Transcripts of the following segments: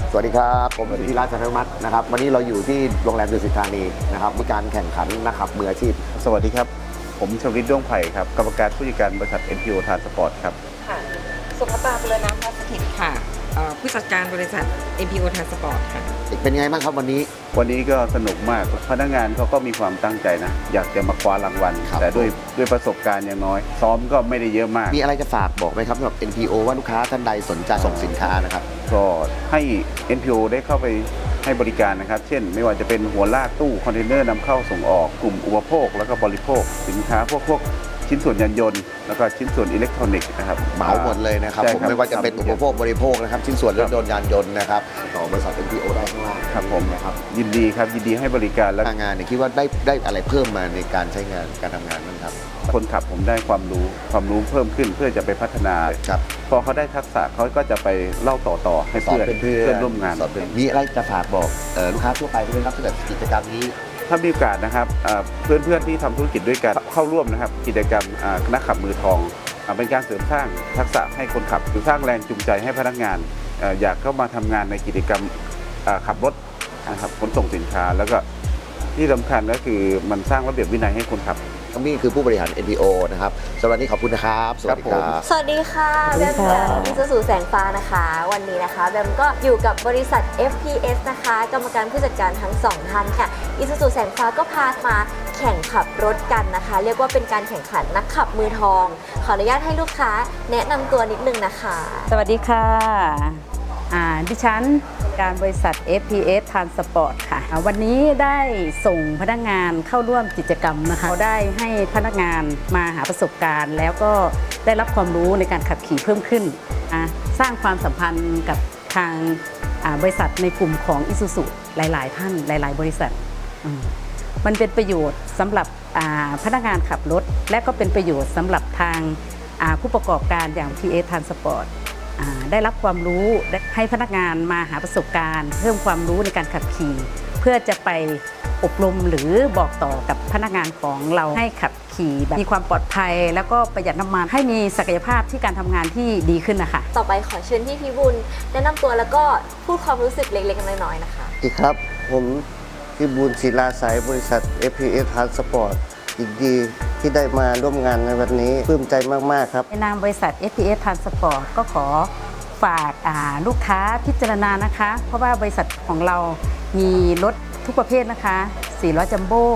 สวัสดีครับผมธีระ จันทมัตนะครับวันนี้เราอยู่ที่โรงแรมดุสิตธานีนะครับมีการแข่งขันนักขับมืออาชีพสวัสดีครับผมชวลิตด้วงไผ่ครับกรรมการผู้จัดการบริษัท NPO Transport ครับค่ะสุภตาบุรณะพัสถิตค่ะผู้จัดการบริษัท NPO Transport ค่ะเป็นไงบ้างครับวันนี้ก็สนุกมากพนักงานเขาก็มีความตั้งใจนะอยากจะมาคว้ารางวัลแต่ด้วยประสบการณ์อย่างน้อยซ้อมก็ไม่ได้เยอะมากมีอะไรจะฝากบอกไหมครับสำหรับ NPO ว่าลูกค้าท่านใดสนใจส่งสินค้านะครับก็ให้ NPO ได้เข้าไปให้บริการนะครับเช่นไม่ว่าจะเป็นหัวลากตู้คอนเทนเนอร์นำเข้าส่งออกกลุ่มอุปโภคแล้วก็บริโภคสินค้าพวกชิ้นส่วนยานยนต์แล้วก็ชิ้นส่วนอิเล็กทรอนิกส์นะครับเหมาหมดเลยนะครับผมไม่ว่าจะเป็นอุปโภคบริโภคนะครับชิ้นส่วนรถยนต์ยานยนต์นะครับต่อบริษัท NPO ได้ข้างล่างครับผมนะครับยินดีให้บริการและงานเนี่ยคิดว่าได้อะไรเพิ่มมาในการใช้งานการทำงานบ้างครับคนขับผมได้ความรู้เพิ่มขึ้นเพื่อจะไปพัฒนาพอเขาได้ทักษะเขาก็จะไปเล่าต่อให้เพื่อนร่วมงานมีอะไรจะฝากบอกลูกค้าทั่วไปด้วยครับถ้าเกิดกิจกรรมนี้ถ้ามีโอกาสนะครับเพื่อนที่ทำธุรกิจด้วยกันเข้าร่วมนะครับกิจกรรมนักขับมือทองเป็นการเสริมสร้างทักษะให้คนขับหรือสร้างแรงจูงใจให้พนักงานอยากเข้ามาทำงานในกิจกรรมขับรถนะครับขนส่งสินค้าแล้วก็ที่สำคัญก็คือมันสร้างระเบียบวินัยให้คนขับนี่คือผู้บริหาร NPO นะครับสวัสดีขอบคุณนะครับสวัสดีค่ะแบมจากอิซูซูแสงฟ้านะคะวันนี้นะคะแบมก็อยู่กับบริษัท FPS นะคะกรรมการผู้จัดการทั้ง2ท่านค่ะอิซูซูแสงฟ้าก็พามาแข่งขับรถกันนะคะเรียกว่าเป็นการแข่งขันนักขับมือทองขออนุญาตให้ลูกค้าแนะนำตัวนิดนึงนะคะสวัสดีค่ะดิฉันการบริษัท FPS Transport ค่ะวันนี้ได้ส่งพนักงานเข้าร่วมกิจกรรมนะคะได้ให้พนักงานมาหาประสบการณ์แล้วก็ได้รับความรู้ในการขับขี่เพิ่มขึ้นสร้างความสัมพันธ์กับทางบริษัทในกลุ่มของ Isuzu หลายๆท่านหลายๆบริษัทมันเป็นประโยชน์สำหรับพนักงานขับรถและก็เป็นประโยชน์สำหรับทางผู้ประกอบการอย่าง PS Transportได้รับความรู้ให้พนักงานมาหาประสบการณ์เพิ่มความรู้ในการขับขี่เพื่อจะไปอบรมหรือบอกต่อกับพนักงานของเราให้ขับขี่แบบมีความปลอดภัยแล้วก็ประหยัดน้ำมันให้มีศักยภาพที่การทำงานที่ดีขึ้นนะคะต่อไปขอเชิญพี่บุญแนะนำตัวแล้วก็พูดความรู้สึกเล็กๆน้อยๆนะคะสวัสดีครับผมพี่บุญศิลาสายบริษัท FPS Transport ยินดีที่ได้มาร่วมงานในวันนี้ปลื้มใจมากๆครับในนามบริษัท FPS Transport ก็ขอฝากลูกค้าพิจารณานะคะเพราะว่าบริษัทของเรามีรถทุกประเภทนะคะ4ล้อจัมโบ้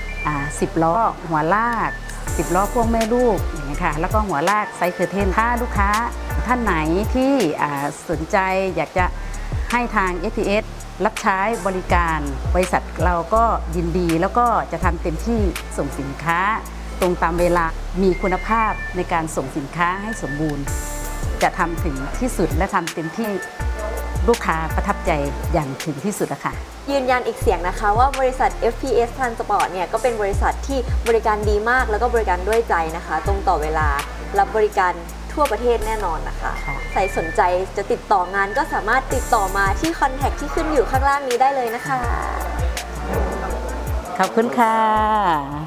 10ล้อหัวลาก10ล้อพ่วงแม่ลูกอย่างนี้ค่ะแล้วก็หัวลากไซส์เคอร์เทนถ้าลูกค้าท่านไหนที่สนใจอยากจะให้ทาง FPS รับใช้บริการบริษัทเราก็ยินดีแล้วก็จะทำเต็มที่ส่งสินค้าตรงตามเวลามีคุณภาพในการส่งสินค้าให้สมบูรณ์จะทำถึงที่สุดและทำเต็มที่ลูกค้าประทับใจอย่างถึงที่สุดนะคะยืนยันอีกเสียงนะคะว่าบริษัท FPS Transport เนี่ยก็เป็นบริษัทที่บริการดีมากแล้วก็บริการด้วยใจนะคะตรงต่อเวลารับบริการทั่วประเทศแน่นอนนะคะใครสนใจจะติดต่องานก็สามารถติดต่อมาที่คอนแทคที่ขึ้นอยู่ข้างล่างนี้ได้เลยนะคะขอบคุณค่ะ